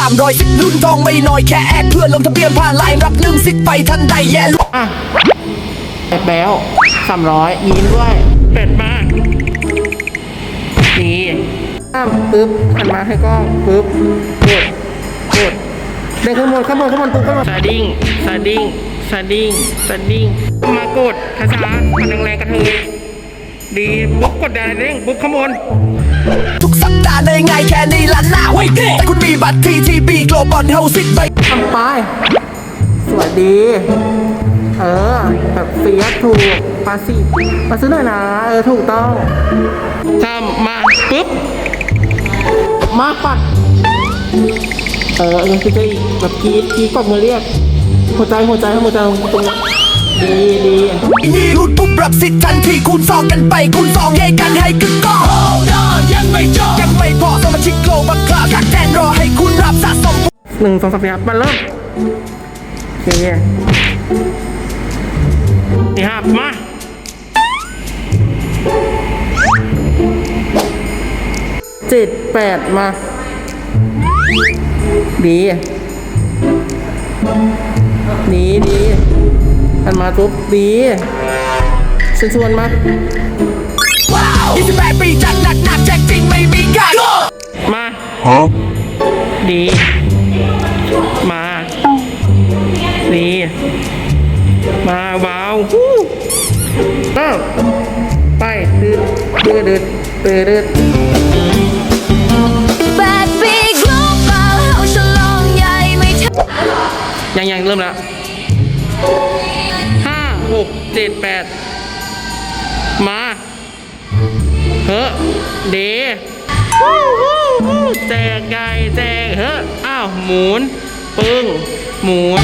310ลุ้นทองไม่น้อยแค่แอดเพื่อลงทะเบียนผ่านไลน์รับลืมสิทธิ์ไปทันใดแย่ลุอ่ะเป็ดแล้ว300ยิ้มด้วยเป็ดมากดีปึ๊บหันมาให้กล้องปึ๊บกดเดินขึ้นบนปุ๊บขึ้นมาสดิ้งมากดช้าๆมันแรงๆกระเทยดีปุ๊บกดได้เด้งปุ๊บข้างบนทุกสัปดาห์ได้ง่ายแค่นี้ละหน้าไว้เด็กแต่คุณมีบัตร TTB Global Health สิทธิ์ไปทำไปสวัสดีแบบเฟียสถูกมาซื้อหน่อยนะถูกต้องทำมาปุ๊บมาปัดยังคือจะอีกแบบกีดกดมือเรียกหัวใจตรงนี้ดีนี่รุดปุ๊บรับสิทธิ์ทันทีคูณ2กันไปคูณ2ให้กันให้กึกก้องยังไม่จบยังไม่พอสมาชิกโกลบัคคลาคักแทนรอให้คุณรับสะสม 1 2 3 4มาเริ่มโอเคนี่ครับมา7 8มาดีมันมาปุ๊บดีชวนมาว้าว28 ปีจัดหนักแจกจริงไม่มีกันมาดีมาดีมาว้าวไปดืด 8 ปี Global เฮาฉลองใหญ่ไม่ยังเริ่มแล้ว5 6 7 8มาเดแจกไก่แจกอ้าวหมุนปึ้งหมุน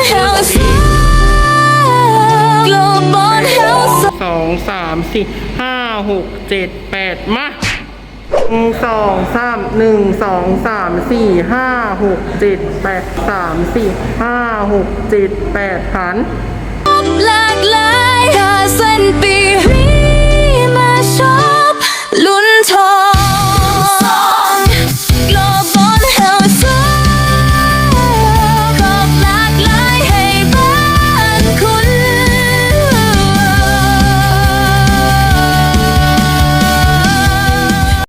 2 3 4 5 6 7 8มา2 3 1 2 3 4 5 6 7 8 3 4 5 6 7 8หันหลากหลายถ้าสิ้นปีนี้มาชอบลุ้นทอง